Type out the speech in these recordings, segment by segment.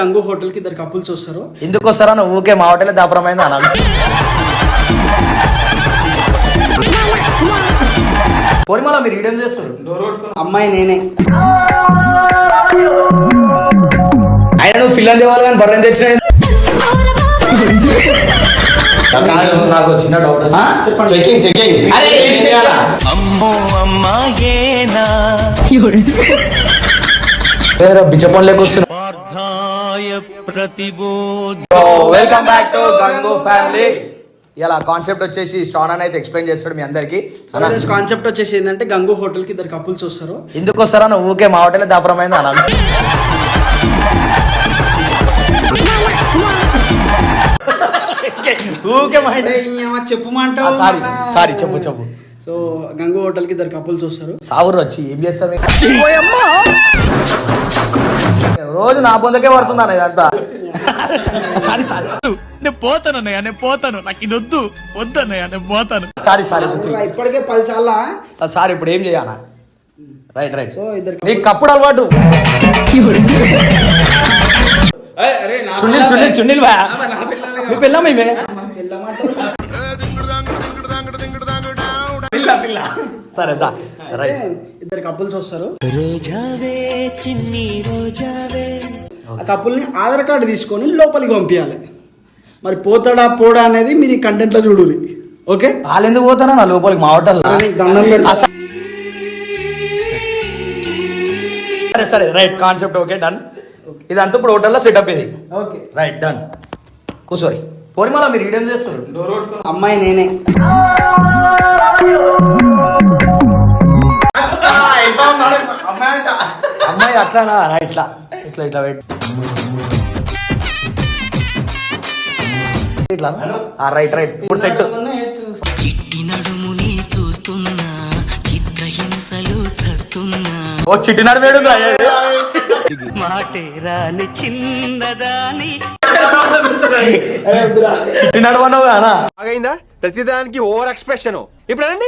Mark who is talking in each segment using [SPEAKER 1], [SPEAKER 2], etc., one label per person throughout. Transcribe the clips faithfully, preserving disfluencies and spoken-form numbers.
[SPEAKER 1] Gangu hotel కి ఇద్దరు couples వస్తారు.
[SPEAKER 2] ఎందుకు వస్తారా నువ్వు? ఊకే మా హోటల్ దాపరమైంది అనాలి. పోరిమాల మీరు ఈడేం చేస్తారు?
[SPEAKER 1] అమ్మాయి నేనే.
[SPEAKER 2] ఆయన నువ్వు పిల్లలు తేవాలి కానీ బర్రెని తెచ్చిన. నాకు చిన్న డౌట్.
[SPEAKER 1] చెప్పండి.
[SPEAKER 3] చెకింగ్ చెకింగ్
[SPEAKER 2] అమ్మో అమ్మాయేనా బిచ్చపం లేకొస్తున్నా. Welcome back to Gangu family. ఇలా కాన్సెప్ట్ వచ్చేసి శ్రావణ్ అయితే ఎక్స్ప్లెయిన్ చేస్తాడు మీ అందరికి.
[SPEAKER 1] కాన్సెప్ట్ వచ్చేసి ఏంటంటే గంగు హోటల్ కి ఇద్దరు కపుల్స్ వస్తారు.
[SPEAKER 2] ఎందుకు వస్తారా నువ్వు? ఊకే మా హోటల్ దాపరమైంది అనాలి. ఊకే
[SPEAKER 1] చెప్పుమంటావు.
[SPEAKER 2] సారీ సారీ చెప్పు చెప్పు.
[SPEAKER 1] సో గంగు హోటల్ కి ఇద్దరు కపుల్స్ వస్తారు.
[SPEAKER 2] సావురు వచ్చి ఏం చేస్తారు? రోజు నా పొందకే పడుతుందా ఇదంతా. సారీ సారీ
[SPEAKER 4] నేను పోతాను అన్నయ్య, నేను పోతాను, నాకు ఇది వద్దు వద్దు అన్నయ్య, నేను పోతాను.
[SPEAKER 2] సారీ సారీ
[SPEAKER 1] ఇప్పటికే పది చాలా.
[SPEAKER 2] సారీ ఇప్పుడు ఏం చేయాలా? Right right.
[SPEAKER 1] సో ఇద్దరు
[SPEAKER 2] నీకు కప్పుడు అలవాటు. చున్నీలు చున్నీలు చున్నీలు బా మీ పిల్ల మేమే సరే దా. రైట్.
[SPEAKER 1] ఇద్దరు కపుల్స్ వస్తారు. ఆ కపుల్ ని ఆధార్ కార్డు తీసుకొని లోపలికి పంపించాలి. మరి పోతాడా పోడా అనేది మీరు ఈ కంటెంట్ లో చూడాలి. ఓకే,
[SPEAKER 2] వాళ్ళు ఎందుకు పోతారా నా లోపలికి? మా హోటల్
[SPEAKER 1] దండం పెడతా.
[SPEAKER 2] సరే సరే రైట్. Concept okay done. ఇదంతా ఇప్పుడు హోటల్లో సెటప్ ఇది.
[SPEAKER 1] Okay
[SPEAKER 2] right done. కూర్చోరి. పోరిమాల మీరు ఈడేం చేస్తారు?
[SPEAKER 1] అమ్మాయి నేనే.
[SPEAKER 2] అమ్మాయి అట్లానా? ఇట్లా ఇట్లా ఇట్లా వెయిట్ ఇట్లా. Right right. ఇప్పుడు సెట్.
[SPEAKER 5] చిట్టి నడుముని చూస్తున్నా, చిత్రహింసలు చస్తున్నా.
[SPEAKER 2] ఓ చిట్టి నడుమేడు
[SPEAKER 5] మాటేరాని చిన్నదాని
[SPEAKER 2] చిట్టి నడవన్నావు కానా?
[SPEAKER 3] అయిందా? ప్రతిదానికి ఓవర్ ఎక్స్ప్రెషన్. ఇప్పుడు అనండి.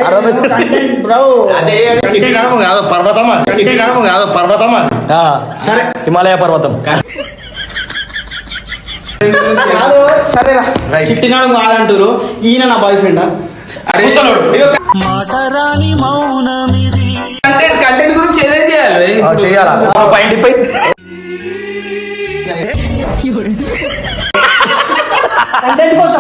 [SPEAKER 3] కాదు పర్వతమా, కాదు పర్వతమా.
[SPEAKER 2] సరే హిమాలయ పర్వతం.
[SPEAKER 1] సరేరా, చిట్టినాడు కాదంటారు. ఈయన నా బాయ్ ఫ్రెండా?
[SPEAKER 5] మాటరాని మౌనమిది.
[SPEAKER 1] కంటెంట్ గురించి ఏదేం చేయాలి?
[SPEAKER 2] చేయాలా? పాయింట్ పై
[SPEAKER 1] కంటెంట్ కోసం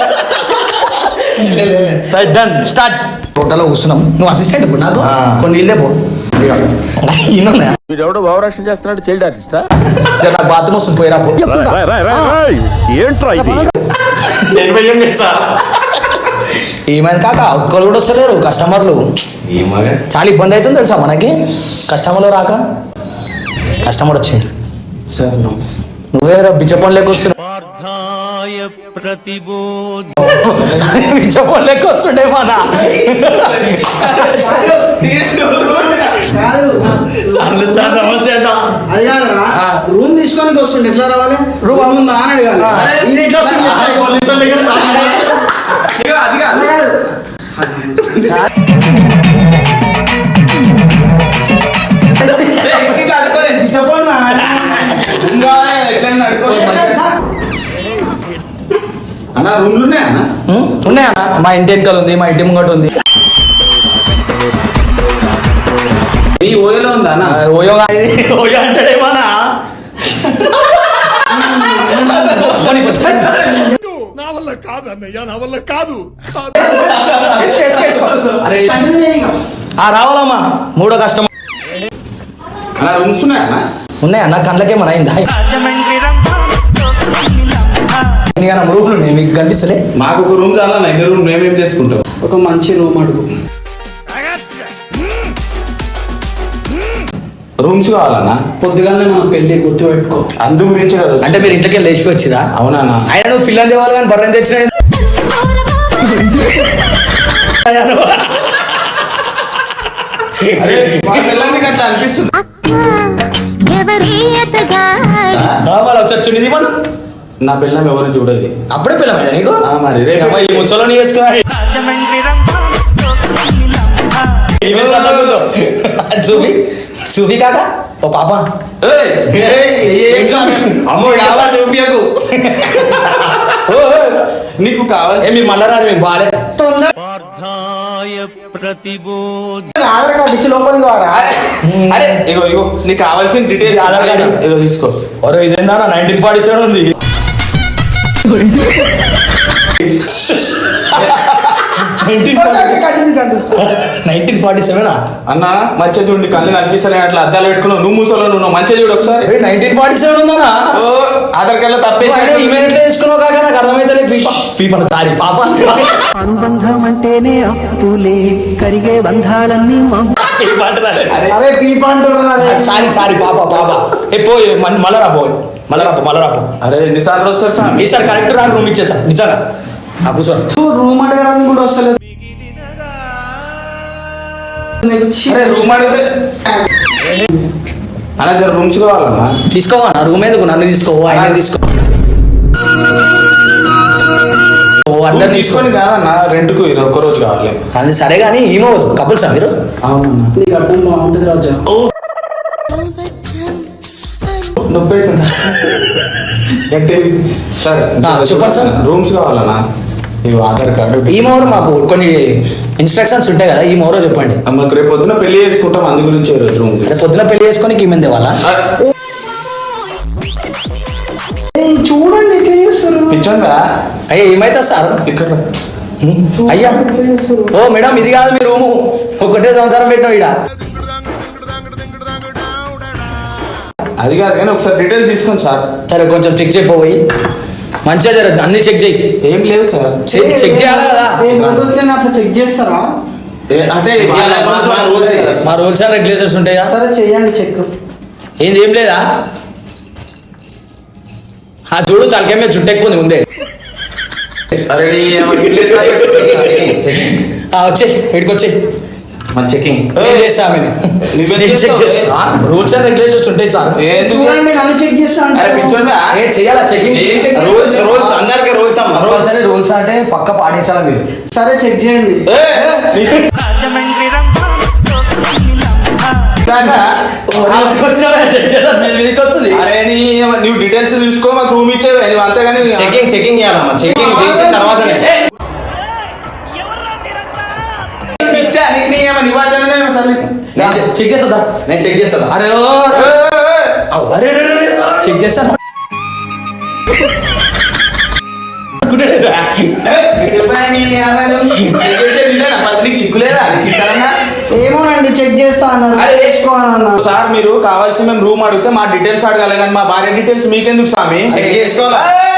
[SPEAKER 2] రైట్ డన్ స్టార్ట్. హోటల్లో కూర్చున్నాం. నువ్వు అసిస్టెంట్ ఇప్పుడు నాకు కొన్ని ఇల్లే పో.
[SPEAKER 3] వీడెవడో భావరక్షణ చేస్తున్నాడు. చైల్డ్ ఆర్టిస్టా?
[SPEAKER 2] నాకు బాత్రూమ్ వస్తుంది పోయిరా.
[SPEAKER 3] ఏంట్రా ఇది?
[SPEAKER 2] ఏమైంది కాక? ఒక్కరు కూడా వస్తలేరు కస్టమర్లు. చాలా ఇబ్బంది అవుతుంది తెలుసా మనకి కస్టమర్లు రాక. కస్టమర్ వచ్చింది. నువ్వే బిచ్చపం లెక్క వస్తున్నావు. బిచ్చపం లెక్క వస్తుండే మన
[SPEAKER 1] రూమ్ తీసుకోనికి వస్తుండే. ఎట్లా రావాలి? రూమ్ అమ్ముందా అని అడగాలి. ఎట్లా వస్తుంది? అన్న రూమ్లు ఉన్నాయన్న?
[SPEAKER 2] ఉన్నాయన్న. మా ఇంటి వెనకాల ఉంది, మా ఇంటి ముంగట ఉంది.
[SPEAKER 1] ఈ ఓయోలో ఉందా అన్న?
[SPEAKER 2] ఓయో ఓయో అంటాడేమన్నా.
[SPEAKER 4] నా వల్ల కాదు అన్నయ్య, నా వల్ల కాదు.
[SPEAKER 2] అరే రావాలమ్మా. మూడో కష్టం.
[SPEAKER 1] అన్న రూమ్స్ ఉన్నాయన్న?
[SPEAKER 2] ఉన్నాయన్న. కళ్ళకేమన్నా అయిందా? రూమ్లు ఉన్నాయి మీకు కనిపిస్తలే?
[SPEAKER 1] మాకు ఒక రూమ్ చాలా. ఎన్ని రూమ్ మేమేం చేసుకుంటాం? ఒక మంచి రూమ్ అడుగు. రూమ్స్ కావాలన్నా? పొద్దుగానే మన పెళ్లి గుర్తు పెట్టుకో. అందు గురించి కదా.
[SPEAKER 2] అంటే మీరు ఇంట్లోకి లేచిపోవచ్చుదా?
[SPEAKER 1] అవునా?
[SPEAKER 2] ఆయన నువ్వు పిల్లలు తేవాలి కానీ బర్రెని తెచ్చిన.
[SPEAKER 1] అట్లా అనిపిస్తుంది.
[SPEAKER 2] ఒకసారి చున్నీ మన
[SPEAKER 1] నా పిల్లం ఎవరిని చూడదు.
[SPEAKER 2] అప్పుడే పిల్లమైందా నీకు?
[SPEAKER 1] మరి
[SPEAKER 2] ఈ ముసలోని చేసుకున్నా. చూపి చూపి కాక ఓ పాప
[SPEAKER 3] అమ్మో డాబా చూపియకు.
[SPEAKER 6] నీకు కావాలి
[SPEAKER 2] ఏ మీరు మళ్ళా రారు మీకు బాగాలే
[SPEAKER 1] ఆధార్ కార్డు ఇచ్చి లోపలికి వారా.
[SPEAKER 6] అరే ఇగో ఇగో నీకు కావాల్సిన డీటెయిల్స్
[SPEAKER 2] ఆధార్ కార్డు.
[SPEAKER 6] ఇగో తీసుకో.
[SPEAKER 2] ఒరే ఇదేందా నైన్టీన్ ఫార్టీ సెవెన్ ఉంది నైన్టీన్ ఫార్టీ సెవెన్
[SPEAKER 6] అన్న మంచిగా చూడు, నీ కళ్ళు కనిపిస్తలే అట్లా అద్దాలు పెట్టుకున్నావు. నువ్వు మూసలో నువ్వు మంచిగా చూడు ఒకసారి.
[SPEAKER 2] నైన్టీన్ ఫార్టీ సెవెన్ ఉందా
[SPEAKER 6] ఓ ఆధార్ కార్డులో తప్పేసి
[SPEAKER 2] ఈమెయిల్ ఎట్లా తీసుకున్నావు కాక నాకు అర్థమైతే పీపా పీపన సారీ పాప
[SPEAKER 7] అనుబంధం అంటేనే అప్పులే కరిగే బంధాలన్నీ
[SPEAKER 1] అరే పీప అంటున్నారు.
[SPEAKER 2] సారీ సారీ పాప పాప ఏ పోయి మళ్ళా రా పోయి మళ్ళా రాపో మళ్ళా రాపో
[SPEAKER 6] అరే ఎన్నిసార్లు వస్తారు సార్?
[SPEAKER 2] ఈసారి కరెక్ట్ రా రూమ్ ఇచ్చేసా నిజంగా ఆ కూర్చో
[SPEAKER 1] రూమ్ అడగడానికి కూడా వస్తలేదు.
[SPEAKER 6] అరే రూమ్ అడిగితే అన్న జర రూమ్స్ కావాలన్నా.
[SPEAKER 2] తీసుకోవా నా రూమ్ ఎందుకు నన్ను తీసుకో ఆయన తీసుకో అందరు
[SPEAKER 6] తీసుకొని కాదన్న రెంట్కు ఇది ఒక్క రోజు కావాలి.
[SPEAKER 2] అది సరే కానీ ఏమవరు కపుల్సా మీరు
[SPEAKER 6] అవునన్నా.
[SPEAKER 1] నీకు అర్థం బాగుంటుంది రాజా.
[SPEAKER 6] నొప్పి అవుతుందా? గట్టి సరే
[SPEAKER 2] చెప్పండి సార్.
[SPEAKER 6] రూమ్స్ కావాలన్నా. ఇవి ఆధార్ కార్డు
[SPEAKER 2] ఈమోరు మాకు కొన్ని ఇన్స్ట్రక్షన్స్ ఉంటాయి కదా ఈ మోరో చెప్పండి.
[SPEAKER 6] మాకు రేపు పొద్దున పెళ్లి చేసుకుంటాం, అందు గురించి ఈరోజు రూమ్
[SPEAKER 2] రేపు పొద్దున పెళ్లి చేసుకొని ఈమెంది వాళ్ళ
[SPEAKER 1] చూడండి ఎట్లా చేస్తారు.
[SPEAKER 6] పిచ్చోందా
[SPEAKER 2] అయ్యా ఏమైతే సార్
[SPEAKER 6] ఇక్కడ
[SPEAKER 2] అయ్యా ఓ మేడం ఇది కాదు మీ రూము ఒకటే సంవత్సరం పెట్టినాం ఈడ
[SPEAKER 6] అది కాదు కానీ ఒకసారి డీటెయిల్ తీసుకోండి సార్.
[SPEAKER 2] సరే కొంచెం చెక్ చేయపోయి మంచిగా జరగదు అన్ని చెక్ చేయి
[SPEAKER 6] ఏం లేవు సార్.
[SPEAKER 2] చెక్ చెక్ చేయాలి కదా
[SPEAKER 1] అట్లా చెక్ చేస్తారా?
[SPEAKER 6] ఏ- అంటే
[SPEAKER 2] మా రూల్స్ అండ్ రెగ్యులేషన్స్ ఉంటాయా
[SPEAKER 1] సరే చెయ్యండి చెక్.
[SPEAKER 2] ఏంది ఏం లేదా ఆ చూడు తలకే మీద జుట్టు ఎక్కువ ఉంది ముందే
[SPEAKER 6] అరే
[SPEAKER 2] వచ్చే ఇక్కడికి వచ్చే
[SPEAKER 3] మన చెకింగ్
[SPEAKER 2] నేను చేస్తా చెక్ చేస్తా రూల్స్ అండ్ రెగ్యులేషన్స్ ఉంటాయి సార్
[SPEAKER 1] చూడండి నన్ను చెక్ చేస్తా
[SPEAKER 6] అరే
[SPEAKER 1] అంటే
[SPEAKER 6] పిచ్చోందా
[SPEAKER 2] ఏ చేయాలా చెకింగ్
[SPEAKER 3] రూల్స్ రూల్స్ అందరికి రూల్స్ అమ్మ
[SPEAKER 2] రూల్స్ అంటే రూల్స్ అంటే పక్క పాటించాలా మీరు
[SPEAKER 1] సరే చెక్ చేయండి.
[SPEAKER 5] రాజమండ్రి రంభా
[SPEAKER 6] అరే నీ నువ్వు డీటెయిల్స్ చూసుకో, మాకు రూమ్ ఇచ్చే నువ్వు అంతేగాని
[SPEAKER 3] చెకింగ్ చెకింగ్ చేయాలమ్మా. చెకింగ్ చేసిన తర్వాత
[SPEAKER 6] పిచ్చా నీకు నీ ఏమో నివాజనే సల్లి
[SPEAKER 2] చెక్ చేస్తా
[SPEAKER 3] నేను చెక్ చేస్తాను.
[SPEAKER 2] అరే ఓ, అరే అరే చెక్ చేస్తాను
[SPEAKER 6] సిగ్గులేదా?
[SPEAKER 1] ఏమోనండి చెక్ చేస్తా అన్నారు.
[SPEAKER 6] అరే,
[SPEAKER 1] చేసుకోవాలన్నా.
[SPEAKER 6] సార్ మీరు కావాల్సి మేము రూమ్ అడిగితే మా డీటెయిల్స్ అడగాలి కానీ మా భార్య డీటెయిల్స్ మీకెందుకు స్వామి?
[SPEAKER 3] చెక్ చేసుకోవాలా?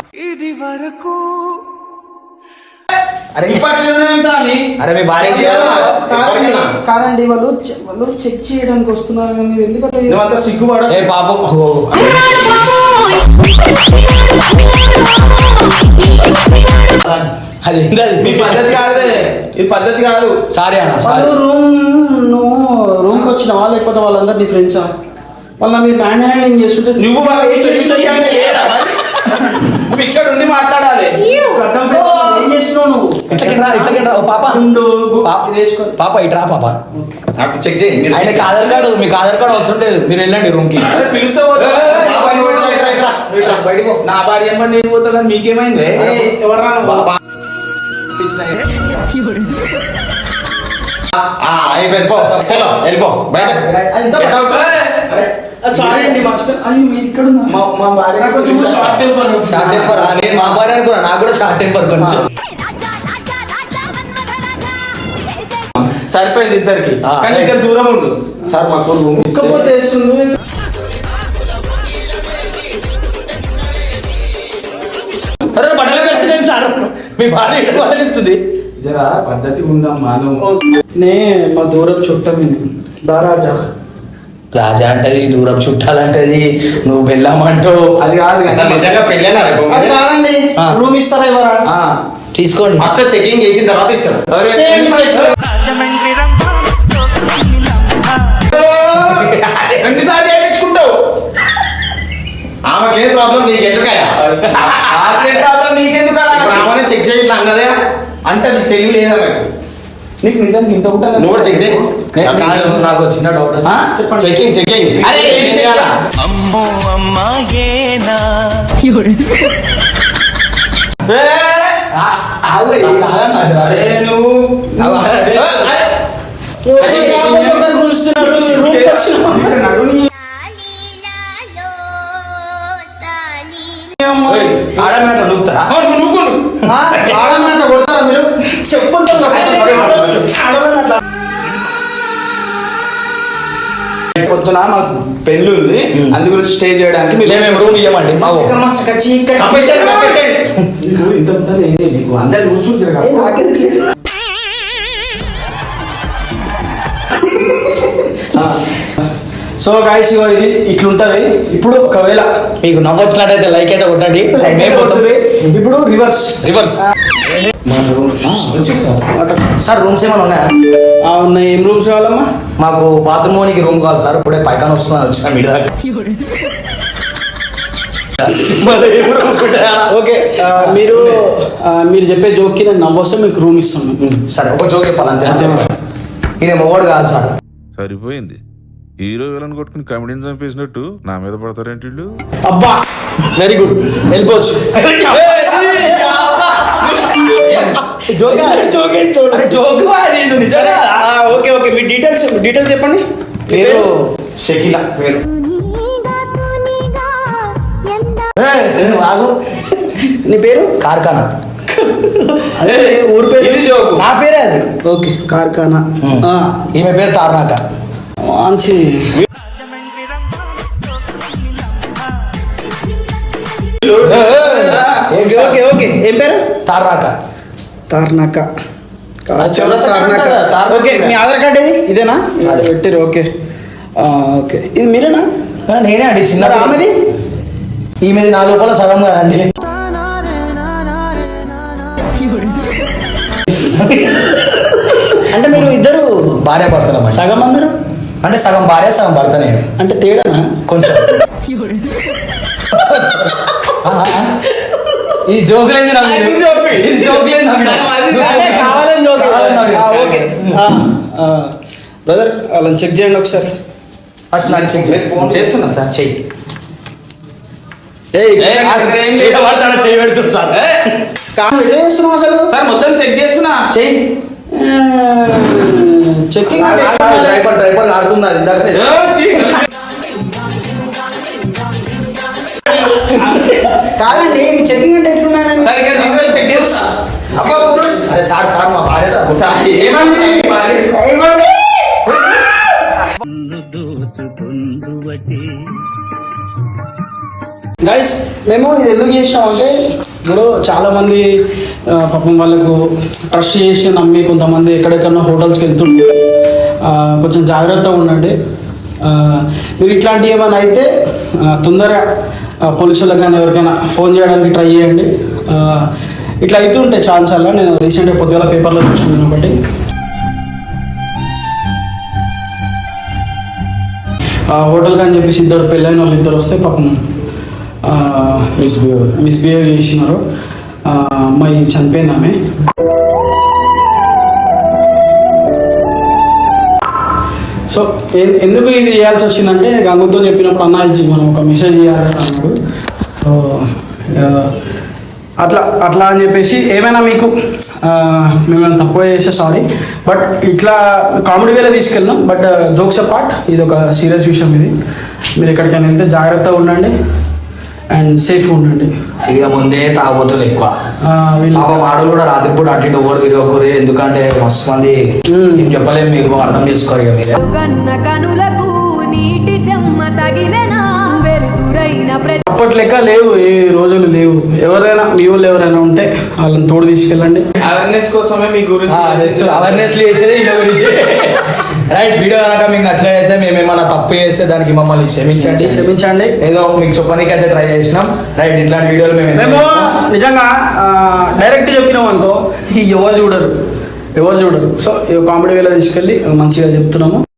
[SPEAKER 2] అరే
[SPEAKER 6] ఇప్పట్లోనే స్వామి.
[SPEAKER 2] అరే మీ భార్య
[SPEAKER 3] చెక్ చేయాలా?
[SPEAKER 1] కాదండి
[SPEAKER 3] ఎవరికైనా?
[SPEAKER 1] కాదండి వాళ్ళు చె- వాళ్ళు చెక్ చేయడానికి వస్తున్నారు కానీ మీరు ఎందుకు అట్లా చేస్తారు?
[SPEAKER 6] నువ్వంతా సిగ్గుపడ
[SPEAKER 2] ఏ పాపం ఓ, అది ఏంటది
[SPEAKER 6] మీ పద్ధతి కాదే, ఇది పద్ధతి కాదు.
[SPEAKER 2] సారీ అన్న సారీ
[SPEAKER 1] వాళ్ళు రూమ్ నువ్వు రూమ్కి వచ్చినావా లేకపోతే వాళ్ళందరు నీ ఫ్రెండ్సా? వాళ్ళ మీరు మ్యాన్ హ్యాండింగ్ చేస్తుంటే
[SPEAKER 6] నువ్వు బాగా ఏం చేస్తున్నావు అంటే ఏరా మరి? నువ్వు ఇక్కడ ఉండి మాట్లాడాలి.
[SPEAKER 1] ఒక అడ్డం పెట్టి ఏం చేస్తున్నావు నువ్వు?
[SPEAKER 2] ఇట్లకి రా ఇట్లకి రా ఓ పాప
[SPEAKER 1] ఉండు,
[SPEAKER 2] పాప
[SPEAKER 1] ఇది వేసుకో.
[SPEAKER 2] పాప ఇట్రా పాప
[SPEAKER 3] అటు చెక్ చేయి మీరు.
[SPEAKER 2] ఆయనకి ఆధార్ కార్డు మీకు ఆధార్ కార్డు అవసరం లేదు మీరు వెళ్ళండి రూమ్ కి
[SPEAKER 6] అరే పిలిస్తే పోతా.
[SPEAKER 3] బాబా, నువ్వు ఇట్రా, ఇట్రా, ఇట్రా, నువ్వు ఇట్రా.
[SPEAKER 2] బయటికి పో.
[SPEAKER 6] నా భార్య ఏమన్నా నేను పోతా కానీ మీకేమైంది?
[SPEAKER 1] ఏ, ఎవర్రా నువ్వు?
[SPEAKER 3] బా- ఆ, అయిపోయింది పో. చలో వెళ్ళిపో బయట.
[SPEAKER 1] అంతా
[SPEAKER 3] Get out.
[SPEAKER 1] సారీ అండి మర్చిపోయి అయ్యో మీరు ఇక్కడ ఉన్నారు.
[SPEAKER 6] మా మా భార్య
[SPEAKER 1] నాకు కొంచెం షార్ట్ టెంపర్.
[SPEAKER 2] షార్ట్ టెంపర్ నేను మా భార్య అనుకున్నా నాకు కూడా షార్ట్ టెంపర్ కొంచెం
[SPEAKER 6] సరిపోయింది ఇద్దరికి.
[SPEAKER 2] ఆ,
[SPEAKER 6] కానీ ఇక్కడ దూరం ఉండు సార్. మాకు రూమ్ ఇస్తే
[SPEAKER 1] ఉక్కపోతే వేస్తుంది.
[SPEAKER 2] అరే బట్టలు కలిసింది సార్ మీ భార్య ఎక్కడ బట్టలు ఇస్తుంది
[SPEAKER 6] జరా పద్ధతి ఉందమ్మా నువ్వు.
[SPEAKER 1] నే మా దూరం చుట్టమే దారాజా.
[SPEAKER 2] రాజా అంటది దూరం చుట్టాలంటది నువ్వు బెల్లమంటావు
[SPEAKER 6] అది కాదు
[SPEAKER 3] అసలు
[SPEAKER 6] కదా.
[SPEAKER 3] నిజంగా పెళ్ళేనా రేపు?
[SPEAKER 1] అది కాదండి
[SPEAKER 2] ఆ.
[SPEAKER 1] రూమ్ ఇస్తారా ఇవ్వరా?
[SPEAKER 6] ఆ.
[SPEAKER 2] తీసుకోండి
[SPEAKER 3] ఫస్ట్ చెకింగ్ చేసిన తర్వాత ఇస్తాడు.
[SPEAKER 6] అరే,
[SPEAKER 1] చేయండి, చెక్.
[SPEAKER 5] రాజమండ్రి రంభా
[SPEAKER 6] ఎన్నిసార్లు చేయించుకుంటావు?
[SPEAKER 3] ఆమెకేం ప్రాబ్లం నీకు ఎందుకయ్యా?
[SPEAKER 6] నాకేం ప్రాబ్లం నీకెందుకు అలా?
[SPEAKER 3] ఆమెనే చెక్ చేయి ఇట్లా అన్నదే.
[SPEAKER 6] అంటే అది తెలివి లేదా నాకు? నీకు నిజానికి ఇంత ఉంటుంది
[SPEAKER 3] నువ్వు కూడా చెక్ చేయి
[SPEAKER 2] కాదు, నాకు చిన్న డౌట్
[SPEAKER 6] ఆ, చెప్పండి
[SPEAKER 3] చెకింగ్ చెకింగ్
[SPEAKER 6] అరే, ఏం చేయాలా?
[SPEAKER 4] అమ్మో అమ్మాయేనా
[SPEAKER 6] ఏ, అరే నువ్వు
[SPEAKER 3] చెకింగ్
[SPEAKER 6] ఇక్కడ నడుని. ఏయ్,
[SPEAKER 2] ఆడమాట నూపుతారా
[SPEAKER 6] ఆ, నువ్వు నూకు నువ్వు.
[SPEAKER 1] ఆడమంట కొడతారా మీరు చెప్పండి
[SPEAKER 6] పొద్దున మాకు పెళ్లి ఉంది, అందు గురించి స్టే చేయడానికి మీరు
[SPEAKER 2] మేము రూమ్ ఇవ్వమండి మా ఊరు.
[SPEAKER 3] కప్పేసాడు కప్పేసాడు
[SPEAKER 6] నీకు ఇంత పెద్దది ఏంది? నీకు అందరు చూస్తుంటారు కదా.
[SPEAKER 1] సో గాయస్ ఇది ఇట్లుంటది. ఇప్పుడు ఒకవేళ
[SPEAKER 2] మీకు నవ్వొచ్చినట్టయితే లైక్ అయితే కొట్టండి. మేము పోతాం.
[SPEAKER 1] ఇప్పుడు రివర్స్
[SPEAKER 2] రివర్స్ సార్ రూమ్స్ ఏమైనా ఉన్నాయా?
[SPEAKER 1] ఉన్నాయి. ఏం రూమ్స్ కావాలమ్మా?
[SPEAKER 2] మాకు బాత్రూమ్కి రూమ్ కావాలి సార్. ఇప్పుడే పైకాన వస్తున్నాను వచ్చిన మీ దాకా. మరి ఏం rooms ఉంటాయా?
[SPEAKER 1] ఓకే ఆ, మీరు ఆ, మీరు చెప్పే జోక్కి నేను నవ్వొస్తే మీకు రూమ్ ఇస్తాను.
[SPEAKER 2] సరే ఒక జోక్ చెప్పాలి అంతే. ఈయన మొగోడు కాదు సార్.
[SPEAKER 8] సరిపోయింది. హీరో విలన్ కొట్టుకుని కమెడీని చంపేసినట్టు నా మీద పడతారేంటి వీళ్ళు?
[SPEAKER 1] అబ్బా వెరీ గుడ్, వెళ్ళిపోవచ్చు. జోక్ జోక్
[SPEAKER 2] అరే జోక్ అది నువ్వు నిజంగా.
[SPEAKER 1] ఓకే ఓకే మీ డీటెయిల్స్ డీటెయిల్స్ చెప్పండి.
[SPEAKER 2] పేరు
[SPEAKER 3] షకీలా పేరు
[SPEAKER 2] ఏ, నువ్వు ఆగు.
[SPEAKER 1] నీ పేరు?
[SPEAKER 2] కార్ఖానా.
[SPEAKER 1] అదే ఊరు పేరు.
[SPEAKER 6] ఇది జోకు.
[SPEAKER 2] నా పేరే అది.
[SPEAKER 1] ఓకే కార్ఖానా. ఆ,
[SPEAKER 2] ఈమె పేరు తారనాక.
[SPEAKER 1] మంచి ఓకే ఓకే ఓకే ఏం పేరు?
[SPEAKER 2] తారనాక.
[SPEAKER 1] తార్నాక.
[SPEAKER 6] చౌరస్తా
[SPEAKER 1] తార్నాక.
[SPEAKER 6] తార్నాక.
[SPEAKER 1] ఓకే మీ ఆధార్ కార్డ్ ఏది? ఇదేనా? అది పెట్టారు. ఓకే ఆ, ఓకే ఇది మీరేనా?
[SPEAKER 2] ఆ, నేనే అండి చిన్న
[SPEAKER 1] మరి ఆమెది?
[SPEAKER 2] ఈమెది నా లోపల సగం కదండి.
[SPEAKER 1] అంటే మీరు ఇద్దరు
[SPEAKER 2] భార్య భర్తలం అండి.
[SPEAKER 1] సగం అందరు
[SPEAKER 2] అంటే సగం భార్య సగం భర్త నేను.
[SPEAKER 1] అంటే తేడానా?
[SPEAKER 2] కొంచెం ఆ, ఆ. ఇది జోకులేంది నాకు ఇది.
[SPEAKER 6] అది జోకు.
[SPEAKER 2] ఇది జోకులేంది నాకు.
[SPEAKER 1] అంటే కావాలని జోక్.
[SPEAKER 2] కావాలని జోక్.
[SPEAKER 1] ఆ, ఓకే బ్రదర్ వాళ్ళని చెక్ చేయండి ఒకసారి.
[SPEAKER 2] ఫస్ట్ నాకు చెక్ చేస్తున్నా సార్. చెయ్యి.
[SPEAKER 1] ఏయ్
[SPEAKER 6] ఏ, అక్కడ ఏం లేదు.
[SPEAKER 2] పడతాడు చెయ్యి పెడుతుంది సార్.
[SPEAKER 1] కాదు, ఎట్లా చేస్తున్నావు అసలు?
[SPEAKER 6] సార్ మొత్తం చెక్ చేస్తున్నా.
[SPEAKER 2] చెయ్యి.
[SPEAKER 1] చెక్కింగ్
[SPEAKER 2] డ్రైవర్ డ్రైవర్ ఆడుతున్నారు ఇందాక.
[SPEAKER 6] ఏ, చీ.
[SPEAKER 1] కాదండి మీ చెక్కింగ్ అంటే ఎట్లున్నది?
[SPEAKER 6] సార్ ఇక్కడ తీసుకొని చెక్ చేస్తా.
[SPEAKER 1] అబ్బా పురుష్
[SPEAKER 2] అరే సార్ సార్ మా భార్య సార్.
[SPEAKER 6] సార్, ఏమండి?
[SPEAKER 1] ఏమండి? గైస్ మేము ఇది ఎందుకు చేసినాం అంటే ఇప్పుడు చాలా మంది ఆ, పాపం వాళ్ళకు ట్రస్ట్ చేసి నమ్మి కొంతమంది ఎక్కడెక్కడో హోటల్స్కి వెళ్తుంటే ఆ, కొంచెం జాగ్రత్తగా ఉండండి. ఆ, మీరు ఇట్లాంటివి ఏమైనా అయితే ఆ, తొందరగా ఆ, పోలీసులకు కానీ ఎవరికైనా ఫోన్ చేయడానికి ట్రై చేయండి. ఆ, ఇట్లా అయితే ఉంటాయి చాలా చాలా. నేను రీసెంట్గా పొద్దుగల పేపర్లో చూసుకున్నాను ఒకటి. ఆ, హోటల్ కానీ చెప్పేసి ఇద్దరు పెళ్ళైన వాళ్ళు ఇద్దరు వస్తే పాపం మిస్బిహేవ్ మిస్బిహేవ్ చేసినారు. ఆ, అమ్మాయి చనిపోయింది ఆమె. సో ఎ- ఎందుకు ఇది చేయాల్సి వచ్చిందంటే గంగుతో చెప్పినప్పుడు అన్న ఇచ్చి మనం ఒక మెసేజ్ చేయాలని అన్నాడు. సో ఆ, అట్లా అట్లా అని చెప్పేసి ఏమైనా మీకు ఆ, మేమైనా తక్కువ చేస్తే సారీ. బట్ ఇట్లా కామెడీ వేలో తీసుకెళ్ళాం. బట్ జోక్స్ అపార్ట్ ఇది ఒక సీరియస్ విషయం. ఇది మీరు ఎక్కడికైనా వెళ్తే జాగ్రత్తగా ఉండండి అండ్ సేఫ్గా ఉండండి.
[SPEAKER 2] ఇక ముందే తాగుబోతులు ఎక్కువ.
[SPEAKER 1] ఆ, వీళ్ళు
[SPEAKER 2] పాపం ఆడలు కూడా రాత్రిపూట అటు ఇటు ఓడి తిరగకూరి. ఎందుకంటే మస్తు మంది ఏం చెప్పలేము, మీకు అర్థం చేసుకోరు ఇక మీరే.
[SPEAKER 9] కన్న కనులకు నీటి చెమ్మ తగిలెనా వెలుతురైన ప్రతి
[SPEAKER 1] అప్పటి లెక్క లేవు, ఏ రోజులు లేవు. ఎవరైనా మీ వాళ్ళు ఎవరైనా ఉంటే వాళ్ళని తోడు తీసుకెళ్ళండి.
[SPEAKER 6] అవేర్నెస్ కోసమే మీ గురించి
[SPEAKER 2] అవేర్నెస్ చేసేది ఇలా గురించి. రైట్, వీడియో కనుక మీకు నచ్చలేదైతే మేము ఏమైనా తప్పు చేస్తే దానికి మమ్మల్ని క్షమించండి.
[SPEAKER 1] క్షమించండి.
[SPEAKER 2] ఏదో మీకు చెప్పడానికి అయితే ట్రై చేసినాం. రైట్, ఇట్లాంటి వీడియోలు మేము
[SPEAKER 1] మేము నిజంగా డైరెక్ట్ చెప్పినాం అనుకో ఎవరు చూడరు ఎవరు చూడరు. సో కామెడీ వేళ తీసుకెళ్ళి మంచిగా చెప్తున్నాము.